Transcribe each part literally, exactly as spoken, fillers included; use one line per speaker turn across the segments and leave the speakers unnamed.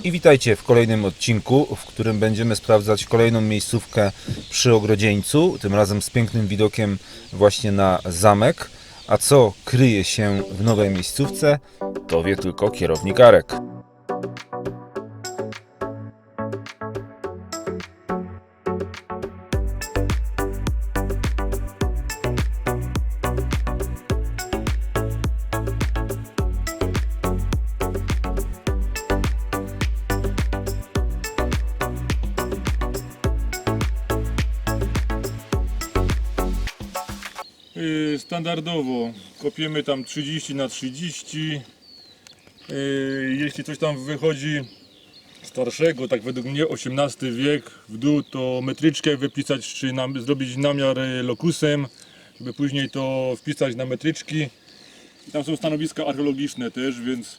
I witajcie w kolejnym odcinku, w którym będziemy sprawdzać kolejną miejscówkę przy Ogrodzieńcu, tym razem z pięknym widokiem właśnie na zamek. A co kryje się w nowej miejscówce, to wie tylko kierownik Arek.
Standardowo kopiemy tam trzydzieści na trzydzieści. Jeśli coś tam wychodzi starszego, tak według mnie osiemnasty wiek w dół, to metryczkę wypisać, czy nam, zrobić namiar lokusem, by później to wpisać na metryczki. Tam są stanowiska archeologiczne też, więc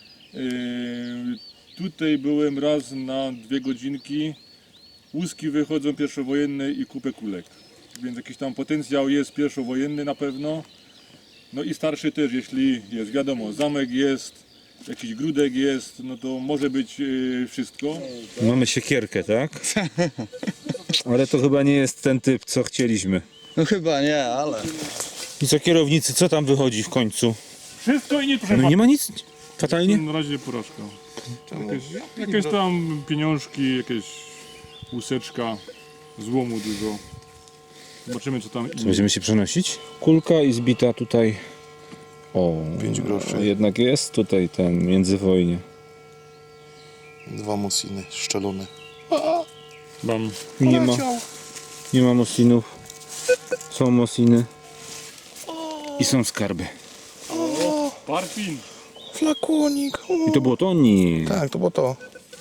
yy, tutaj byłem raz na dwie godzinki. Łuski wychodzą pierwszowojenne i kupę kulek. Więc jakiś tam potencjał jest pierwszowojenny na pewno. No i starszy też, jeśli jest, wiadomo, zamek jest, jakiś grudek jest, no to może być yy, wszystko.
Mamy siekierkę, tak? Ale to chyba nie jest ten typ, co chcieliśmy.
No chyba nie, ale...
I co kierownicy, co tam wychodzi w końcu?
Wszystko i nie proszę
No nie ma nic fatalnie?
Na razie porażka. Jakieś, jakieś tam pieniążki, jakieś łuseczka, złomu dużo. Zobaczymy co tam
Co, będziemy się przenosić? Kulka i zbita tutaj. O,
pięć groszy.
Jednak jest tutaj ten międzywojnie.
Dwa musiny szczelone.
Mam.
Nie ma, nie ma mosinów. Są mosiny. I są skarby.
Parfin.
Flakonik.
I to było to? Nie.
Tak, to było to.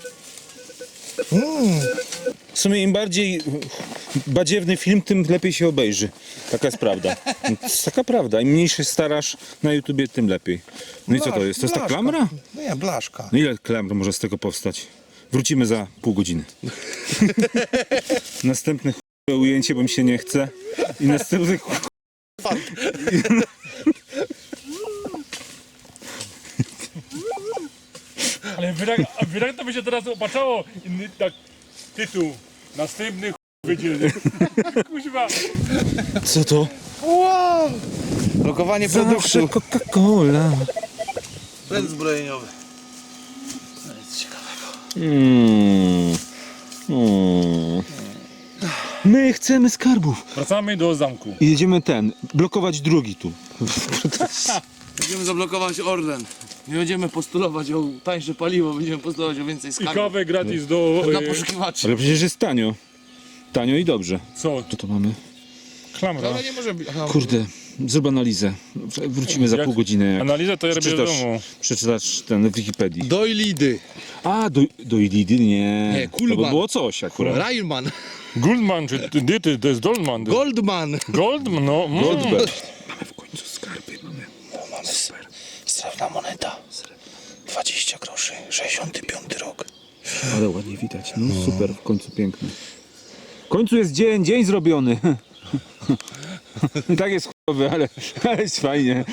Mm.
W sumie im bardziej badziewny film, tym lepiej się obejrzy. Taka jest prawda. To jest taka prawda. Im mniej się starasz na YouTubie, tym lepiej. No i co to jest? To jest ta
Blaszka.
klamra?
Nie, blaszka.
No ile klamr może z tego powstać? Wrócimy za pół godziny. Następne ch**e ujęcie, bo mi się nie chce. I następne ch**e...
Ale wyraźnie wyra to by się teraz opaczało. Inny tak tytuł. Następny ch... będzie. Kuźwa.
Co to?
Wow! Lokowanie
Zawsze
produktu.
Coca-Cola.
Sprzęt zbrojeniowy. No nic ciekawego.
Mm. Mm. My chcemy skarbów.
Wracamy do zamku.
I jedziemy ten, blokować drugi tu.
Będziemy zablokować Orlen. Nie będziemy postulować o tańsze paliwo, będziemy postulować o więcej
I
skarbów.
kawę gratis do...
Dla
e,
poszukiwaczy.
Ale przecież jest tanio. Tanio i dobrze.
Co?
Co to mamy?
Klamra.
Ale nie może być. Aha,
Kurde, zrób analizę. Wrócimy za
Jak-
pół godziny. Jak
Analizę to ja robię w
przeczytasz,
domu.
przeczytasz ten w Wikipedii.
Dojlidy.
A, do, do Ilidy? Nie.
Nie,
To
Kulman.
by było coś akurat.
Railman.
Goldman, czy ty, ty, ty, to jest Goldman.
Goldman.
Goldman, no. Mm.
Goldberg. Mamy w końcu skarby, mamy.
Mamy super. Srebrna moneta. dwadzieścia groszy. sześćdziesiąty piąty rok.
Ale ładnie widać. No super, w końcu piękny. W końcu jest dzień, dzień zrobiony. Tak jest chujowy, ale, ale jest fajnie.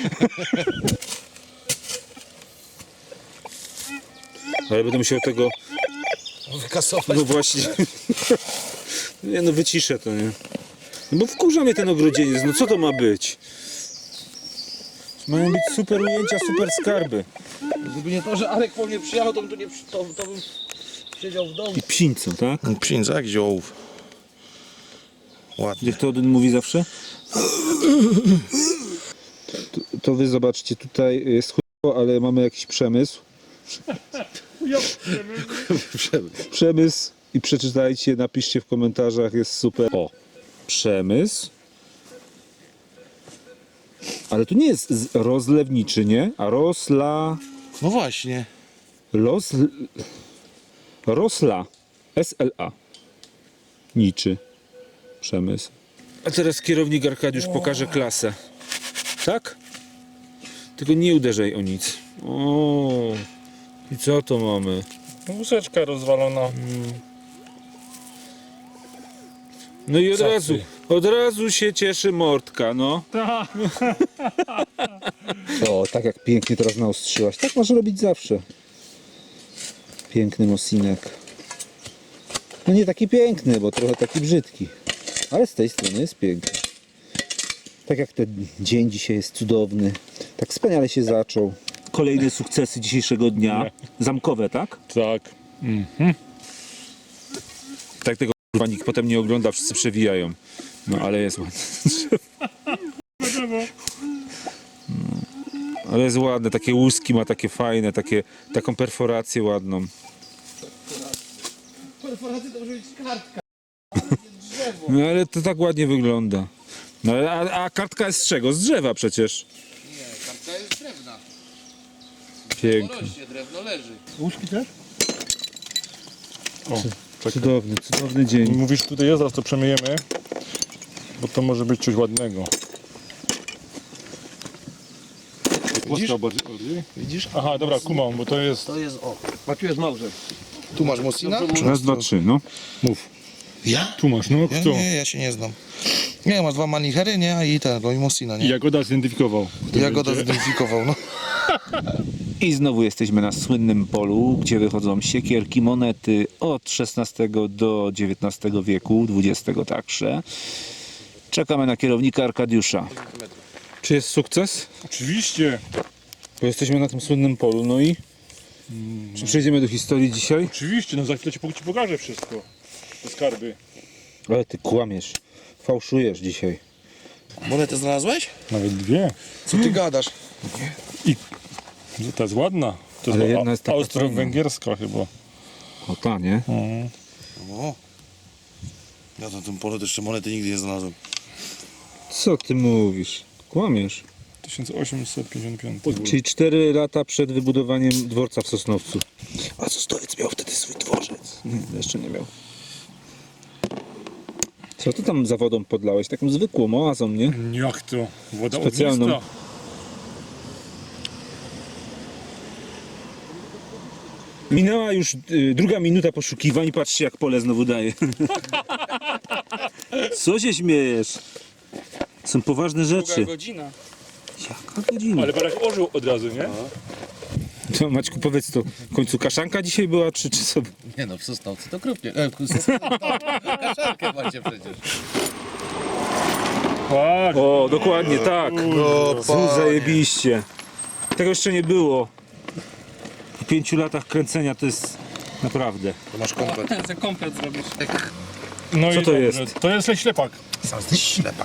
Ale będę musiał tego...
Wykasować.
No właśnie. Nie no, wyciszę to, nie? No bo wkurza mnie ten ogrodzieniec, no co to ma być? Mają być super ujęcia, super skarby.
Gdyby nie to, że Arek po mnie przyjechał, to bym, tu nie, przy- to, to bym siedział w domu.
I psińco, tak?
Psinca jak ziołów. Ładnie.
Jak to Odyn mówi zawsze? To, to wy zobaczcie, tutaj jest chujowo, ale mamy jakiś przemysł. Przemysł i przeczytajcie, napiszcie w komentarzach, jest super. O, przemysł. Ale tu nie jest z- rozlewniczy, nie? A rosla...
No właśnie.
Los... Rosla. S L A. Niczy. Przemysł. A teraz kierownik Arkadiusz pokaże klasę. Tak? Tylko nie uderzaj o nic. O. I co to mamy?
Łuseczka rozwalona.
No i od
Co
razu,
ty?
od razu się cieszy mordka, no. O, tak jak pięknie teraz naostrzyłaś. Tak masz robić zawsze. Piękny Mosinek. No nie taki piękny, bo trochę taki brzydki. Ale z tej strony jest piękny. Tak jak ten dzień dzisiaj jest cudowny. Tak wspaniale się zaczął. Kolejne sukcesy dzisiejszego dnia. Zamkowe, tak?
Tak.
Tak tego kurwa nikt potem nie ogląda, wszyscy przewijają. No ale jest ładne. No, ale jest ładne, takie łuski ma takie fajne, takie, taką perforację ładną.
Perforacja to może być kartka.
No ale to tak ładnie wygląda. No a, a kartka jest z czego? Z drzewa przecież.
Nie, kartka jest drewna.
Pięknie.
Porośnie, drewno leży.
Łuski też? O,
Cudowny, cudowny dzień.
mówisz tutaj jest, zaraz to przemyjemy, bo to może być coś ładnego. Widzisz?
Widzisz?
Aha, dobra, kumam, bo to jest...
To jest o.
A tu jest Mauser.
Tu masz Mosina?
Raz, dwa, trzy, no.
Mów.
Ja?
Tu masz, no
Ja,
kto?
nie, ja się nie znam. Nie, masz dwa manichery, nie? A i tego, i Mosina, nie?
Jagoda zidentyfikował.
Ja go zidentyfikował, no.
I znowu jesteśmy na słynnym polu, gdzie wychodzą siekierki, monety od szesnastego do dziewiętnastego wieku, dwudziestego także. Czekamy na kierownika Arkadiusza. Czy jest sukces?
Oczywiście.
Bo jesteśmy na tym słynnym polu, no i czy przejdziemy do historii dzisiaj?
Oczywiście, no za chwilę ci po- ci pokażę wszystko. Te skarby.
Ale ty kłamiesz, fałszujesz dzisiaj.
Monetę znalazłeś?
Nawet dwie.
Co ty gadasz?
Ta jest ładna. To
Ale
jest
jedna jest taka
austro-węgierska chyba.
O ta, nie?
O. Ja na tym polu jeszcze monety nigdy nie znalazłem.
Co ty mówisz? Kłamiesz.
tysiąc osiemset pięćdziesiąt pięć.
Czyli cztery lata przed wybudowaniem dworca w Sosnowcu. A Sosnowiec miał wtedy swój dworzec. Nie, jeszcze nie miał. Co ty tam za wodą podlałeś? Taką zwykłą oazą, nie?
Jak to? Woda
Specjalną.
ognista.
Minęła już y, druga minuta poszukiwań. Patrzcie, jak pole znowu daje. Co się śmiejesz? Są poważne rzeczy.
godzina.
Jaka godzina?
Ale barak ożył od razu, nie?
To, Maćku, powiedz to, w końcu kaszanka dzisiaj była, czy, czy sobie?
Nie no, w Sosnowcu to krupnie. E, w Sosnowcu to kaszankę macie przecież.
Tak.
O, dokładnie, tak.
O,
Znów zajebiście. Tego jeszcze nie było. Po pięciu latach kręcenia to jest naprawdę.
To masz komplet.
Za komplet zrobisz.
No
Co
i
to
dobrze.
jest?
To jest ślepak.
Sam jesteś ślepak.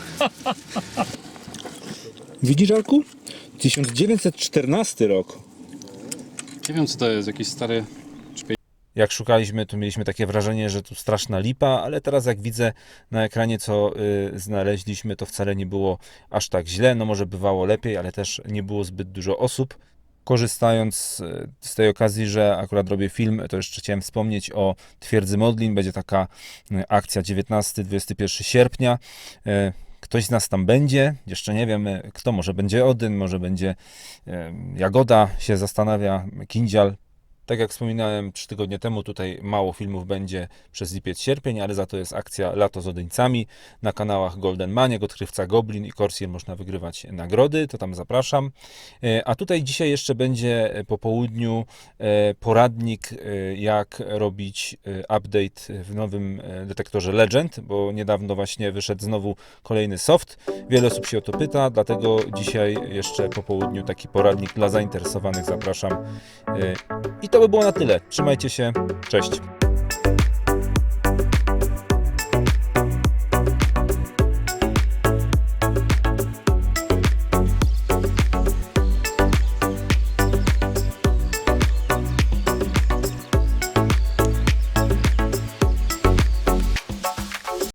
Widzisz, Arku? tysiąc dziewięćset czternasty rok.
Nie wiem co to jest, jakiś stary...
Jak szukaliśmy, to mieliśmy takie wrażenie, że tu straszna lipa, ale teraz jak widzę na ekranie, co y, znaleźliśmy, to wcale nie było aż tak źle. No może bywało lepiej, ale też nie było zbyt dużo osób. Korzystając y, z tej okazji, że akurat robię film, to jeszcze chciałem wspomnieć o Twierdzy Modlin. Będzie taka y, akcja dziewiętnastego do dwudziestego pierwszego sierpnia. Y, Ktoś z nas tam będzie, jeszcze nie wiemy kto, może będzie Odyn, może będzie y, Jagoda, się zastanawia, Kindzial. Tak jak wspominałem trzy tygodnie temu, tutaj mało filmów będzie przez lipiec, sierpień, ale za to jest akcja Lato z Odyńcami. Na kanałach Golden Maniek, Odkrywca Goblin i Corsair można wygrywać nagrody, to tam zapraszam. A tutaj dzisiaj jeszcze będzie po południu poradnik, jak robić update w nowym detektorze Legend, bo niedawno właśnie wyszedł znowu kolejny soft. Wiele osób się o to pyta, dlatego dzisiaj jeszcze po południu taki poradnik dla zainteresowanych zapraszam. I to by było na tyle. Trzymajcie się. Cześć.